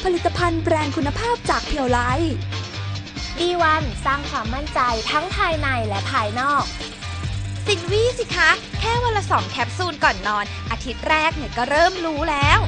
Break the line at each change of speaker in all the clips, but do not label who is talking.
ผลิตภัณฑ์แบรนด์คุณภาพจากเพียวไล
D1 สร้างความมั่นใจทั้งภายในและภายนอก
สินวี่สิคะแค่วันละ2 แคปซูลก่อนนอนอาทิตย์แรกเนี่ยก็เริ่มรู้แล้ว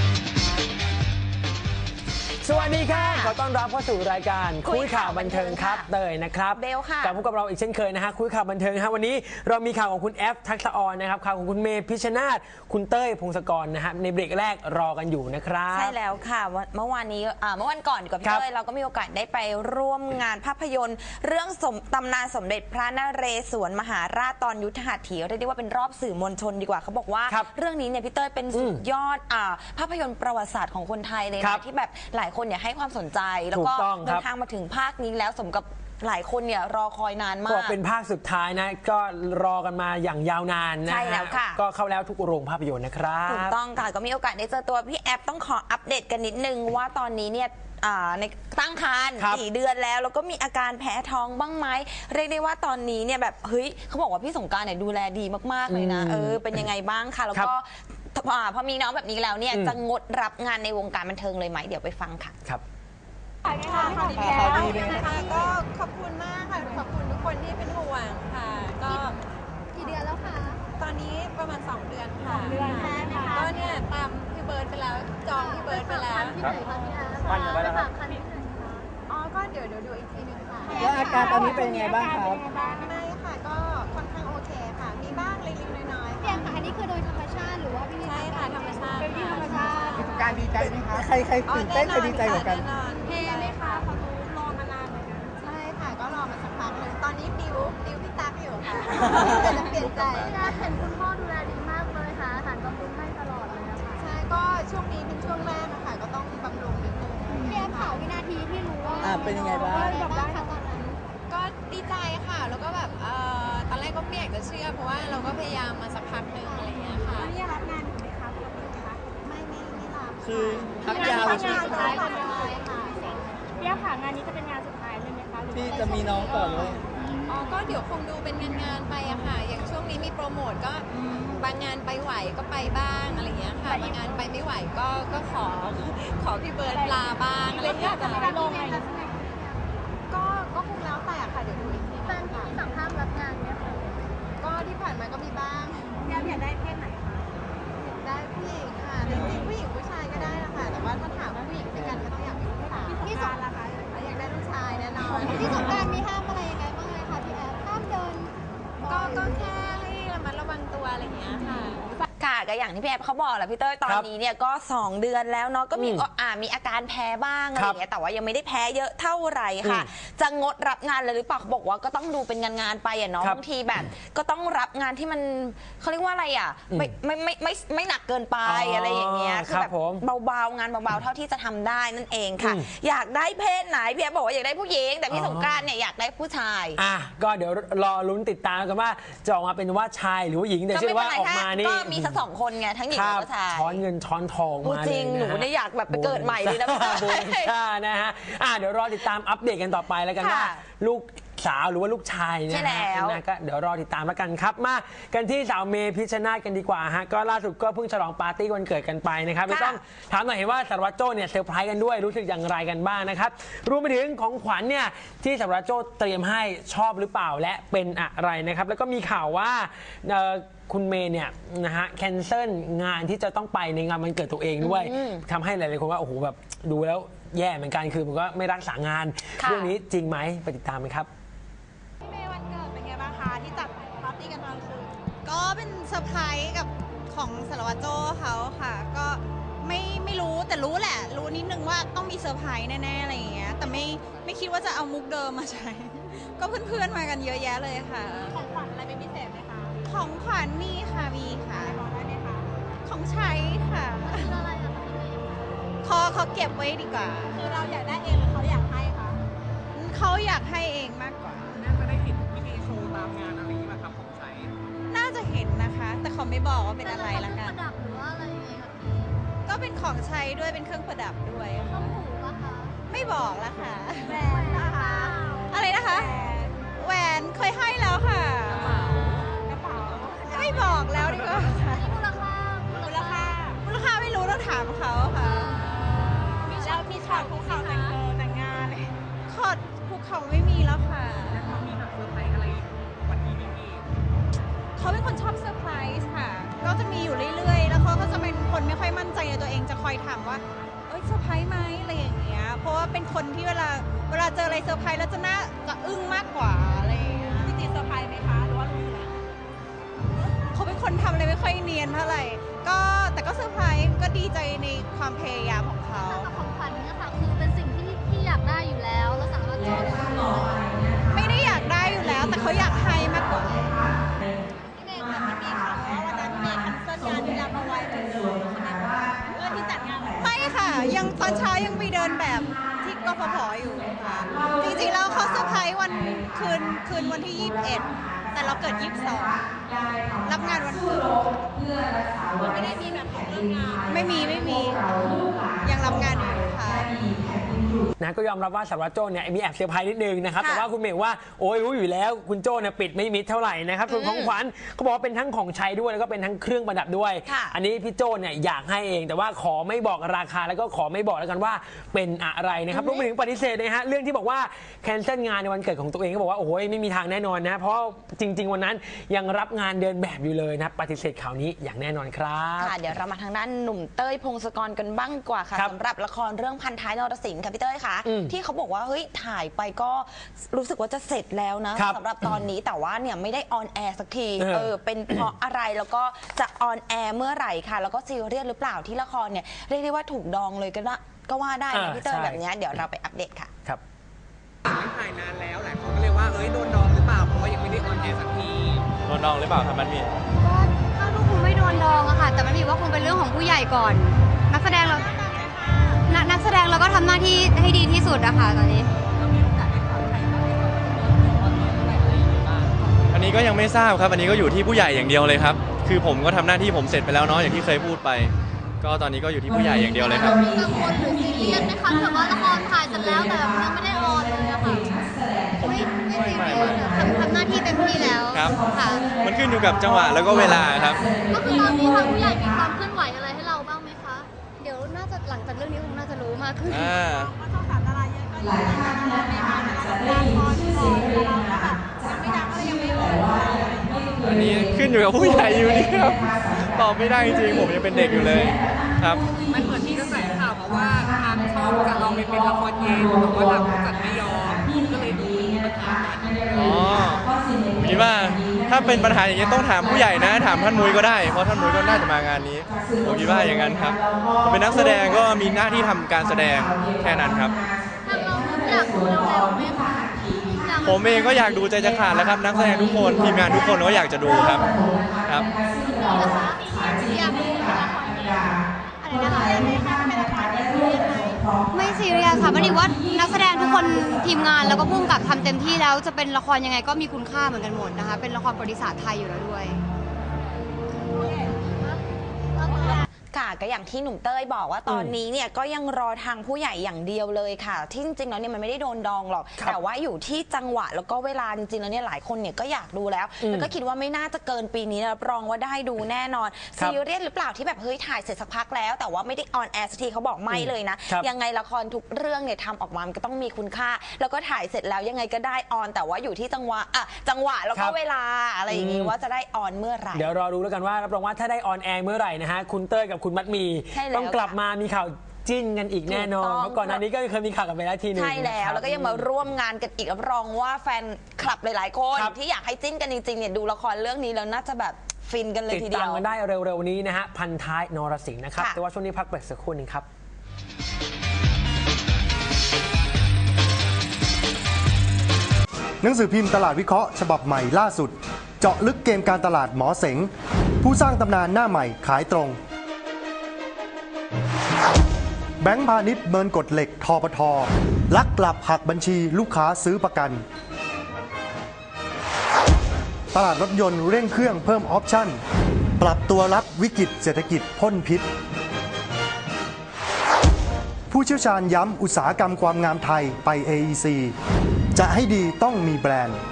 สวัสดีค่ะขอต้อนรับเข้าสู่รายการคุยข่าวบันเทิงครับเตยนะครับ
เบลค่ะ
กลับพบกับเราอีกเช่นเคยนะฮะคุยข่าวบันเทิงฮะวันนี้เรามีข่าวของคุณแอฟทักษะออนนะครับข่าวของคุณเมย์พิชชนาธิ์คุณเต้ยพงศกรนะฮะในเบรกแรกรอกันอยู่นะครับ
ใช่แล้วค่ะเมื่อวันก่อนกับพี่เต้ยเราก็มีโอกาสได้ไปร่วมงานภาพยนตร์เรื่องตำนานสมเด็จพระนเรศวรมหาราชตอนยุทธหัตถีเรียกได้ว่าเป็นรอบสื่อมวลชนดีกว่าเขาบอกว่าเรื่องนี้เนี่ยพี่เต้ยเป็นสุดยอดภาพยนตร์ประวัติศาสตร์ของคนไทยเลยนะที่แบบหลายคนเนี่ยให้ความสนใจแล้วก็เดินทางมาถึงภาคนี้แล้วสมกับหลายคนเนี่ยรอคอยนานมาก
ก็เป็นภาคสุดท้ายนะก็รอกันมาอย่างยาวนานนะ
ใช่แล้วค่ะ
ก็เข้าแล้วทุกโรงภาพยนตร์นะครับ
ถูกต้องค่ะก็มีโอกาสได้เจอตัวพี่แอฟต้องขออัปเดตกันนิดนึงว่าตอนนี้เนี่ยในตั้งครรภ์4 เดือนแล้วก็มีอาการแพ้ท้องบ้างไหมเรียกได้ว่าตอนนี้เนี่ยแบบเฮ้ยเขาบอกว่าพี่สงกรานต์เนี่ยดูแลดีมากๆเลยนะเป็นยังไงบ้างคะแล้วก็พอมีน้องแบบนี้แล้วเนี่ยจะงดรับงานในวงการบันเทิงเลยไหมเดี๋ยวไปฟังค่ะ
ครับ
ค่ะก็ขอบคุณมากค่ะขอบคุณทุกคนที่เป็นห่วงค่ะก็
กี่เดือนแล้วคะ
ตอนนี้ประมาณ2 เดือนค่ะ
2 เดือนแค่ไหมคะ
ก็เนี่ยตามพี่เบิร์ดไปแล้วจองพี่เบิร์ดไปแล้ว
ที่ไหนคะพี่อาร์ปั่นอยู่ไปแล้วครับคันที่ไหนคะ
อ๋อก็เดี๋ยวดูอีกทีนึงค่ะ
แล้วอาการตอนนี้เป็นยังไงบ้างครับ
ไม่ค่ะก็ค่อนข้างโอเคค่ะมีบ้างเล็กๆน้อยๆ
พี่แอมค่ะอันนี้คือโดยธรรมชาติหรือว่าพี่
ใช่ค่ะธรรมชาติ
เป็นที่ธรรมชาติ
การดีใจไหมคะใครตื่นเต้นใครดีใจกว่ากัน
เท่ไหมคะเขารอมานานเลยนะใช่ค่ะก็รอมาสักพักนึงตอนนี้ดิวพี่ตั๊กอยู่ค่ะแต่จะเปลี่ยนใจ
เห็นคุณพ่อดูแลดีมากเลยค่ะอาหารบำรุงให้ตลอดเลยนะคะ
ใช่ก็ช่วงนี้เป็นช่วงแรกนะคะก็ต้องบำรุงนิดนึง
พี่แอมข่าววินาทีที่รู้ว่า
เป็นยังไงบ้าง
คะตอนนั้น
ก็ดีใจค่ะแล้วก็แบบตอนแรกก็ไม่อยากจะเชื่อเพราะว่าเราก็พยายามมาสักพักนึงอะไรอย่างเงี้ยค่ะ
นี่รับงานอยู่ไหมคะปกติคะ
ไม่รับ
คือพักยาว
ใช่ไหมคะพี่แอมค่ะงานนี้จะเป็นงานสุดท้ายเลยไหมคะ
ที่จะมีน้องต่อเลย
อ๋อก็เดี๋ยวคงดูเป็นงานไปอะค่ะอย่างช่วงนี้มีโปรโมทก็บางงานไปไหวก็ไปบ้างอะไรอย่างเงี้ยค่ะบางงานไปไม่ไหวก็ขอพี่เบิร์ดลาบ้างอะไรอย่างเงี้ย
จะไม่ได้ลงอะไร
ก็คงแล้วแต่ค่ะเดี๋ยวดูอีกที
แฟนพี่สั่งห้ามรับงานเนี่ยค่ะ
ก็ที่ผ่านมาก็มีบ้าง
อยากได้เพศไหนคะ
ได้ผู้หญิงค่ะจริงๆผู้หญิงผู้ชายก็ได้นะคะแต่ว่าถ้าถามผู้หญิงด้วยกันก็ต้องอยากมีลูกสาว
พี่สงกรานต์ล่ะคะ
อยากได้ลูกชายแน่นอน
พี่สงกรานต์มีห้ามอะไรยังไงบ้างไหมคะพี่แอฟห้ามเดิน
ก็แค่ให้ระมัดระวังตัวอะไรอย่างเงี้ยค่ะ
ค่ะก็อย่างที่พี่แอฟเขาบอกแหละพี่เต้ยตอนนี้เนี่ยก็2 เดือนแล้วเนาะก็มีอาการแพ้บ้างอะไรอย่างเงี้ยแต่ว่ายังไม่ได้แพ้เยอะเท่าไหร่ค่ะจะงดรับงานเลยหรือเปล่าเขาบอกว่าก็ต้องดูเป็นงานไปอ่ะเนาะบางทีแบบก็ต้องรับงานที่มันเขาเรียกว่าอะไรอ่ะไม่หนักเกินไปอะไรอย่างเงี้ยคือแบบเบาๆงานเบาๆเท่าที่จะทำได้นั่นเองค่ะอยากได้เพศไหนพี่แอฟบอกว่าอยากได้ผู้หญิงแต่พี่สงกรานต์เนี่ยอยากได้ผู้ชาย
ก็เดี๋ยวรอลุ้นติดตามกันว่าจะออกมาเป็นว่าชายหรือว่าหญิงแต่เชื่อว่าออกมานี่
ก็มีสัก2 คนไงทั้งหญิงและชาย
ช้อนเงินช้อนทองมา
จริงหนูเนี่ยอยากแบบไปเกิดใหม่เลยนะ
นะฮะเดี๋ยวรอติดตามอัปเดตกันต่อไปแล้วกันว่าลูกสาวหรือว่าลูกชายนะก็เดี๋ยวรอติดตามแล้วกันครับมากันที่สาวเมย์พิชชนาธิ์กันดีกว่าฮะก็ล่าสุดก็เพิ่งฉลองปาร์ตี้วันเกิดกันไปนะครับไม่ต้องถามหน่อยเห็นว่าสารวัตรโจ้เนี่ยเซอร์ไพรส์กันด้วยรู้สึกอย่างไรกันบ้างนะครับรวมไปถึงของขวัญเนี่ยที่สารวัตรโจ้เตรียมให้ชอบหรือเปล่าและเป็นอะไรนะครับแล้วก็มีข่าวว่าคุณเมย์เนี่ยนะฮะแคนเซิลงานที่จะต้องไปในงานวันเกิดตัวเองด้วยทำให้หลายๆคนว่าโอ้โหแบบดูแล้วแย่เหมือนกันคือมันก็ไม่รักษางานเรื่องนี้จริงไหมไปติดตามกันครับ
พี่เมย์วันเกิดเป็นไงบ้างคะที่จัดปาร์ตี้กันตอนคืน
ก็เป็นเซอร์ไพรส์กับของสารวัตรโจ้เขาค่ะก็ไม่รู้แต่รู้แหละรู้นิดนึงว่าต้องมีเซอร์ไพรส์แน่ๆอะไรอย่างเงี้ยแต่ไม่คิดว่าจะเอามุกเดิมมาใช้ก็เพื่อนๆมากันเยอะแยะเลยค่ะ
ของขวัญอะไรเป็นพิเศษไหมคะ
ของขวัญมีค่ะ
บอกได้ไหมคะ
ของใช้ค่ะ
อะไรอะคะพี่เมย์
เขาเก็บไว้ดีกว่า
คือเราอยากได้เองหรือเขาอยากให้คะ
เขาอยากให้เองมากกว่า
น่าจะได้เห็นวิธีโชว์ตามงานอะไรนี้มาครับของใช้
น่าจะเห็นนะคะแต่เขาไม่บอกว่าเป็นอะไรละกัน
ประดับหรือว่าอะไรยังไงคะพี่
ก็เป็นของใช้ด้วยเป็นเครื่องประดับด้วย
ข้าวหมูป่ะคะ
ไม่บอกละค่ะ
แหวนนะคะ
อะไรนะคะแหวนเคยให้แล้วค่ะ
กระเป๋า
ไม่บอกแล้วดีกว่า
มูลค่า
ไม่รู้ต้องถามเขาค่ะ
มีชอบ
เขาไม่มีแล้วค่ะ
เขามีแบบเซอร์ไพรส์อะไรวันนี้ไม่มี
เขาเป็นคนชอบเซอร์ไพรส์ค่ะ ก็จะมีอยู่เรื่อยๆ แล้วเขาก็จะเป็นคนไม่ค่อยมั่นใจในตัวเอง จะคอยถามว่า เอ้ยเซอร์ไพรส์ไหมอะไรอย่างเงี้ย เพราะว่าเป็นคนที่เวลาเจออะไรเซอร์ไพรส์แล้วจะอึ้งมากกว่าอะไรอย่างเงี้ย
จริงๆเซอร์ไพรส์ไหมคะหรือว่ารู้อยู่แล้ว
เขาเป็นคนทำอะไรไม่ค่อยเนียนเท่าไหร่ แต่ก็เซอร์ไพรส์ก็ดีใจในความพยายามของเขา
กับของขวัญเนี่ยค่ะคือเป็นสิ่งที่อยากได้อยู่แล้วแล้วสารวัตรโจ้
ไม่ได้อยากได้อยู่แล้ว แต่เขาอยากให้มากกว่า
พี่เมย์แต่มันมีข่าวว่าวันนั้นพี่เมย์แคนเซิลงานที่รับเอาไว้เหมือนเดิมใช่ไหมคะเรื่องที่จัดงาน
ไม่ค่ะ ยังตอนเช้ายังไปเดินแบบที่กฟผอยู่ค่ะ จริงๆแล้วเขาเซอร์ไพรส์วันคืนวันที่ 21 แต่เราเกิด 22 รับงานวันพุธ
ไม่ได้มีแบบของเรื่องงาน
ไม่มียังรับงานอยู่ค่ะ
นะก็ยอมรับว่าสารวัตรโจ้เนี่ยมีแอบเซอร์ไพรส์นิดนึงนะครับ
ค่ะ
แต่ว่าคุณเมย์ว่าโอ้ยรู้อยู่แล้วคุณโจ้เนี่ยปิดไม่มิดเท่าไหร่นะครับส่วนของขวัญเขาบอกว่าเป็นทั้งของใช้ด้วยแล้วก็เป็นทั้งเครื่องประดับด้วย
ค่ะ
อันนี้พี่โจ้เนี่ยอยากให้เองแต่ว่าขอไม่บอกราคาแล้วก็ขอไม่บอกแล้วกันว่าเป็นอะไรนะครับรวมไปถึงปฏิเสธนะฮะเรื่องที่บอกว่าแคนเซิลงานในวันเกิดของตัวเองก็บอกว่าโอ้ยไม่มีทางแน่นอนนะเพราะจริง ๆ วันนั้นยังรับงานเดินแบบอยู่เลยนะปฏิเสธข่าวนี้อย่างแน่นอนครับ
ค่ะเดี๋ยวเรามาทางด้านหนุ่มเต้ยพงศกรกันบ้างดีกว่าค่ะ
ครับ
สำหรับละครเรื่องพันท้ายนรสิงห์ค่ะพี่เต้ยค่ะ ที่เขาบอกว่าเฮ้ยถ่ายไปก็รู้สึกว่าจะเสร็จแล้วนะครับ สำหรับตอนนี้แต่ว่าเนี่ยไม่ได้ออนแอร์สักทีเป็นเพราะอะไรแล้วก็จะออนแอร์เมื่อไหร่ค่ะแล้วก็ซีเรียสหรือเปล่าที่ละครเนี่ยเรียกได้ว่าถูกดองเลยก็ว่าได้นะพี่เต้ย
ใช่
แบบเนี้ยเดี๋ยวเราไปอัปเดตค่ะ
ครับ
ไม่ถ่ายนานแล้วหลายคนก็เลยว่าโดนดองหรือเปล่าเพราะว่ายังไม่ได้ออนแอร์สักที
โดนดองหรือเปล่าครับมันมี
ก็ถ้าลูกคงไม่โดนดองอะค่ะ แต่มันมีว่าคงเป็นเรื่องของผู้ใหญ่ก่อน นักแสดงเราก็ทำหน้าที่ให้ดีที่สุดอะค่ะตอนนี้
อันนี้ก็ยังไม่ทราบครับอันนี้ก็อยู่ที่ผู้ใหญ่อย่างเดียวเลยครับคือผมก็ทำหน้าที่ผมเสร็จไปแล้วเนาะอย่างที่เคยพูดไป ก็ตอนนี้ก็อยู่ที่ผู้ใหญ่อย่างเดียวเลยครับ
กังวลหรือซีเรียสไหมคะแบบว่าละครถ่ายเสร็จแล้วแต่แบบยังไม่ได้ออนเลยอะค่ะไม่ซีเรียสทำหน้าที่เต็มที่แล้ว
ครับ
ค่ะ
มันขึ้นอยู่กับจังหวะแล้วก็เวลาครับ
ก็คือตอนนี้ทางผู้ใหญ่มีความเคลื่อนไหวอะไรให้เราบ้างไหมคะ เดี๋ยวน่าจะหลังจากเรื่องนี้คงน่าจะรู้มากขึ้น
อันนี้ขึ้นอยู่กับผู้ใหญ่อยู่นี่ครับตอบไม่ได้จริงๆผมยังเป็นเด็กอยู่เลยครับ
มันเหมือนมีกระแสข่าวมาว่าทางช่องจะเอาไปเป็นละครเย็นแต่ว่าทางผู้จัดไม่ยอมก็เลยดูมีปัญหากัน
อ๋อคิดว่าถ้าเป็นปัญหาอย่างนี้ต้องถามผู้ใหญ่นะถามท่านมุ้ยก็ได้เพราะท่านมุ้ยก็น่าจะมางานนี้ผมคิดว่าอย่างนั้นครับเป็นนักแสดงก็มีหน้าที่ทำการแสดงแค่นั้นครับ
ทางเราอยากดูเร็วๆไหมคะ
ผมเองก็อยากดูใจจะขาดแล้วครับนักแสดงทุกคนทีมงานทุกคนก็อยากจะดูครับครับ
อยากดูละครเย็นอะไรนะคะไม่ซีเรียสค่ะมันดีว่านักแสดงทุกคนทีมงานแล้วก็พุ่งกับทำเต็มที่แล้วจะเป็นละครยังไงก็มีคุณค่าเหมือนกันหมดนะคะเป็นละครประวัติศาสตร์ไทยอยู่แล้วด้วย
ค่ะก็อย่างที่หนุ่มเต้ยบอกว่าตอนนี้เนี่ยก็ยังรอทางผู้ใหญ่อย่างเดียวเลยค่ะที่จริงๆแล้วเนี่ยมันไม่ได้โดนดองหรอกแต่ว่าอยู่ที่จังหวะแล้วก็เวลาจริงๆแล้วเนี่ยหลายคนเนี่ยก็อยากดูแล้วแล้วก็คิดว่าไม่น่าจะเกินปีนี้รับรองว่าได้ดูแน่นอนซีเรียสหรือเปล่าที่แบบเฮ้ยถ่ายเสร็จสักพักแล้วแต่ว่าไม่ได้ออนแอร์สักทีเขาบอกไม่เลยนะยังไงละครทุกเรื่องเนี่ยทำออกมามันก็ต้องมีคุณค่า แล้วก็ถ่ายเสร็จแล้วยังไงก็ได้ออนแต่ว่าอยู่ที่จังหวะแล้วก็เวลาอะไรอย่างงี้ว่าจะได้ออนเมื่อไหร่
เดี๋ยวรอดูแล้วกันว่ารับรองว่าถ้าได้ออนแอร์เมื่อไหร่นะฮะคุณเต้ยกับคุณมัดมีต้องกลับมามีข่าวจิ้นกันอีกแน่นอนเพราะก่อนหน้านี้ก็เคยมีข่าวกันไปแล้วทีนึง
ใช่แล้วก็ยังมาร่วมงานกันอีกรับรองว่าแฟนคลับหลายๆคนที่อยากให้จิ้นกันจริงๆเนี่ยดูละครเรื่องนี้แล้วน่าจะแบบฟินกันเลยทีเดียว
ติดตามกันได้เร็วๆนี้นะฮะพันท้ายนรสิงห์นะครับแต่ว่าช่วงนี้พักเบรกสักครู่นึงครับ
หนังสือพิมพ์ตลาดวิเคราะห์ฉบับใหม่ล่าสุดเจาะลึกเกมการตลาดหมอเสงผู้สร้างตำนานหน้าใหม่ขายตรงแบงก์พาณิชย์เมินกฎเหล็กทปท.ลักหลับหักบัญชีลูกค้าซื้อประกันตลาดรถยนต์เร่งเครื่องเพิ่มออปชั่นปรับตัวรับวิกฤตเศรษฐกิจพ่นพิษผู้เชี่ยวชาญย้ำอุตสาหกรรมความงามไทยไป AEC จะให้ดีต้องมีแบรนด์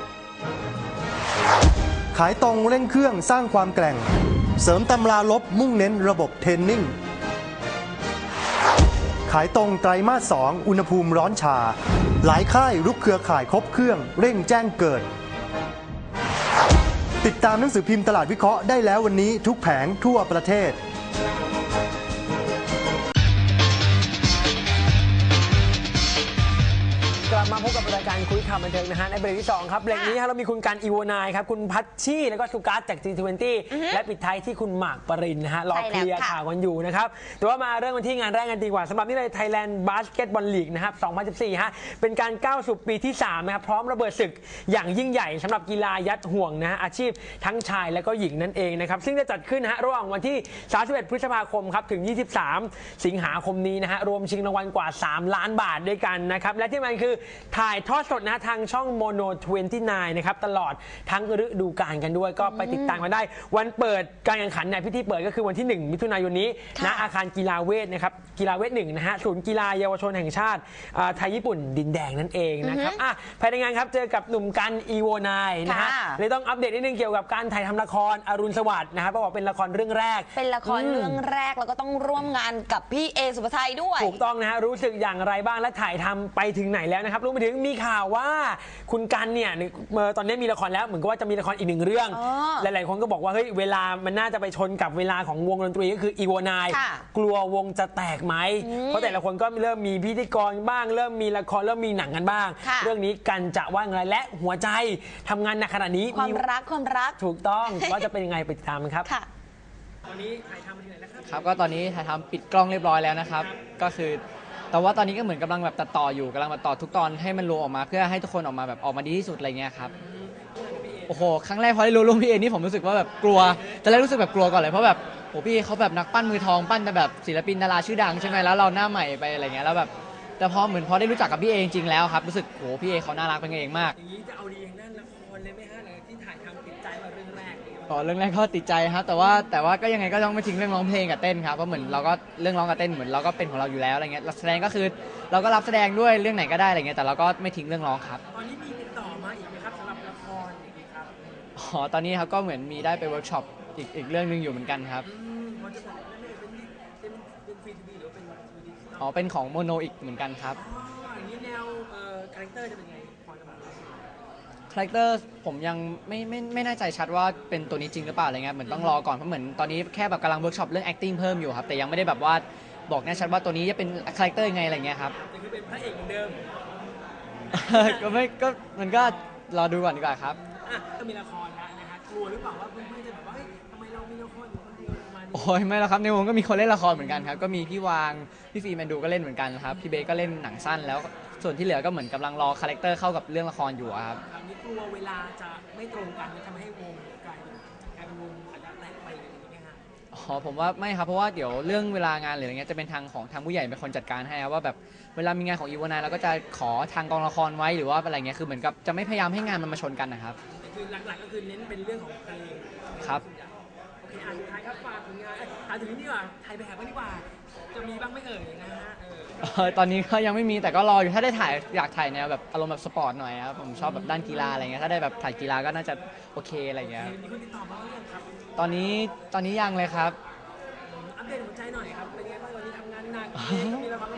ขายตรงเร่งเครื่องสร้างความแกร่งเสริมตำราลบมุ่งเน้นระบบเทรนนิ่งขายตรงไตรมาส 2อุณหภูมิร้อนชาหลายค่ายรุกเครือข่ายครบเครื่องเร่งแจ้งเกิด ติดตามหนังสือพิมพ์ตลาดวิเคราะห์ได้แล้ววันนี้ทุกแผงทั่วประเทศ
กลับมาพบกับรายการคุยข่าวบันเทิงนะฮะในเบรกที่2ครับเบรกนี้เรามีคุณการอีโวนายครับคุณพัชชี่แล้วก็สุกัสจาก G20 และปิดท้ายที่คุณหมากปรินนะฮะรอเคลียร์ข่าวกันอยู่นะครับแต่ว่ามาเรื่องกันที่งานแรกกันดีกว่าสำหรับนี่เลย Thailand Basketball League นะครับ 2014 ฮะเป็นการก้าวสู่ปีที่3นะครับพร้อมระเบิดศึกอย่างยิ่งใหญ่สำหรับกีฬายัดห่วงนะฮะอาชีพทั้งชายและก็หญิงนั่นเองนะครับซึ่งจะจัดขึ้นนะฮะระหว่างวันที่ 31 พฤษภาคมครับถึง 23 สิงหาคมนี้นะฮะรวมชิงรางวัลกว่า 3 ล้านบาทด้วยกันนะครับและที่มันคือถ่ายทอดสดนะทางช่อง Mono 29 นะครับตลอดทั้งฤดูกาลกันด้วยก็ไปติดตามกันได้วันเปิดการแข่งขันในพิธีเปิดก็คือวันที่ 1 มิถุนายนนี้ณอาคารกีฬาเวทนะครับกีฬาเวท1นะฮะศูนย์กีฬาเยาวชนแห่งชาติไทยญี่ปุ่นดินแดงนั่นเองนะครับภายในงานครับเจอกับหนุ่มกันอีโวนายนะฮะเลยต้องอัปเดตนิดนึงเกี่ยวกับการถ่ายทำละครอรุณสวัสดิ์นะครับบอกเป็นละครเรื่องแรก
เป็นละครเรื่องแรกแล้วก็ต้องร่วมงานกับพี่เอสุภาชัยด้วย
ถูกต้องนะฮะรู้สึกอย่างไรบ้างและถ่ายทำไปถึงไหนแล้วนะครับรวมไปถึงมีข่าวว่าคุณกันเนี่ยตอนนี้มีละครแล้วเหมือนกับว่าจะมีละครอีก1เรื่องหลายๆคนก็บอกว่าเฮ้ยเวลามันน่าจะไปชนกับเวลาของวงดนตรีก็คืออีโวนายกลัววงจะแตกไหมเพราะแต่ละคนก็เริ่มมีพิธีกรบ้างเริ่มมีละครเริ่มมีหนังกันบ้างเรื่องนี้กันจะว่าไงและหัวใจทำงานหนักขนาดนี้
ความรัก
ถูกต้องว่าจะเป็นยังไงไปติดตามกันครับ
ตอนนี้ถ่ายทำไปถึงไหนแล้วครับก็ตอนนี้ถ่ายทำปิดกล้องเรียบร้อยแล้วนะครับก็คือแต่ว่าตอนนี้ก็เหมือนกำลังแบบตัดต่ออยู่กำลังตัดต่อทุกตอนให้มันรวมออกมาเพื่อให้ทุกคนออกมาแบบออกมาดีที่สุดอะไรเงี้ยครับโอ้โหครั้งแรกพอได้รู้เรื่องพี่เอนี่ผมรู้สึกว่าแบบกลัวแต่แรกรู้สึกแบบกลัวก่อนเลยเพราะแบบโอ้พี่เอเขาแบบนักปั้นมือทองปั้นแต่แบบศิลปินดาราชื่อดังใช่ไหมแล้วเราหน้าใหม่ไปอะไรเงี้ยแล้วแบบแต่พอได้รู้จักกับพี่เอจริงๆแล้วครับรู้สึกโอ้พี่เอเขาน่ารักเป็นกันเองมาก
อย่างนี้จะเอาดีทางด้านละครเลยไหมฮะที่ถ่ายทำติดใจมาเรื่องแรก
เรื่องแรกก็ติดใจครับแต่ว่าก็ยังไงก็ต้องไม่ทิ้งเรื่องร้องเพลงกับเต้นครับเพราะเหมือนเราก็เรื่องร้องกับเต้นเหมือนเราก็เป็นของเราอยู่แล้วอะไรเงี้ยแสดงก็คือเราก็รับแสดงด้วยเรื่องไหนก็ได้อะไรเงี้ยแต่เราก็ไม่ทิ้งเรื่องร้องครับ
ตอนนี้มีติดต่อมาอีกไหมครับสำหรับละครอย่างนี้ครับ
ตอนนี้ครับก็เหมือนมีได้ไปเวิร์กช็อปอีกเรื่องนึงอยู่เหมือนกันครับ
เป็นฟรีทีวีหรือเป็น
เป็นของโมโนอีกเหมือนกันครับ
อย่างนี้แนวคาแรคเตอร์จะเป็นไงพอจะบอก
คาแรคเตอร์ผมยังไม่แน่ใจชัดว่าเป็นตัวนี้จริงหรือเปล่าอะไรเงี้ยเหมือนต้องรอก่อนเพราะเหมือนตอนนี้แค่แบบกำลังเวิร์กช็อปเรื่อง acting เพิ่มอยู่ครับแต่ยังไม่ได้แบบว่าบอกแน่ชัดว่าตัวนี้จะเป็นคาแรคเตอร์ยังไงอะไรเงี้ยครับ
จะคือเป็นพระเอกเหมือนเดิม
ก็มันก็รอดูก่อนดีกว่าครับ
ก็มีละครแล้วนะฮะกลัวหรือเปล่าว่าเพื่อนๆจะแบบว่าทำไมเรามีละครอยู่คนเดียวประมาณนี้
โอ้ยไม่แล้วครับในวงก็มีคนเล่นละครเหมือนกันครับก็มีพี่วางพี่ฟีแมนดูก็เล่นเหมือนกันครับพี่เบก็เล่นหนังสั้นแล้วส่วนที่เหลือก็เหมือนกำลังรอคาแรคเตอร์เข้ากับเรื่องละครอยู่ครับ
นี่กลัวเวลาจะไม่ตรงกันจะทำให้วงกลายเป็นวงอาจจะแตกไปอย่างนี้ไหมฮะ
ผมว่าไม่ครับเพราะว่าเดี๋ยวเรื่องเวลางานหรืออะไรเงี้ยจะเป็นทางผู้ใหญ่เป็นคนจัดการให้ว่าแบบเวลามีงานของอีวานายเราก็จะขอทางกองละครไว้หรือว่าอะไรเงี้ยคือเหมือนกับจะไม่พยายามให้งานมันมาชนกันนะครับ
คือหลักๆก็คือเน้นเป็นเรื่องของเพลง
ครับ
โอเคสุดท้ายครับฝากผลงานถามถึงนี่ดีกว่าถ่ายแบบบ้างดีกว่าจะมีบ้างไม่เอ่ยนะฮะ
ตอนนี้ก็ยังไม่มีแต่ก็รออยู่ถ้าได้ถ่ายอยากถ่ายแนวแบบอารมณ์แบบสปอร์ตหน่อยครับผมชอบแบบด้านกีฬาอะไรเงี้ยถ้าได้แบบถ่ายกีฬาก็น่าจะโอเคอะไรเงี้ย
มีคนติดต่อมาหรือยังครับ
ตอนนี้ยังเลยครับ
อัปเดตหัวใจหน่อยครับเป็นไงบ้างวันนี้ทำงานหนักมีละคร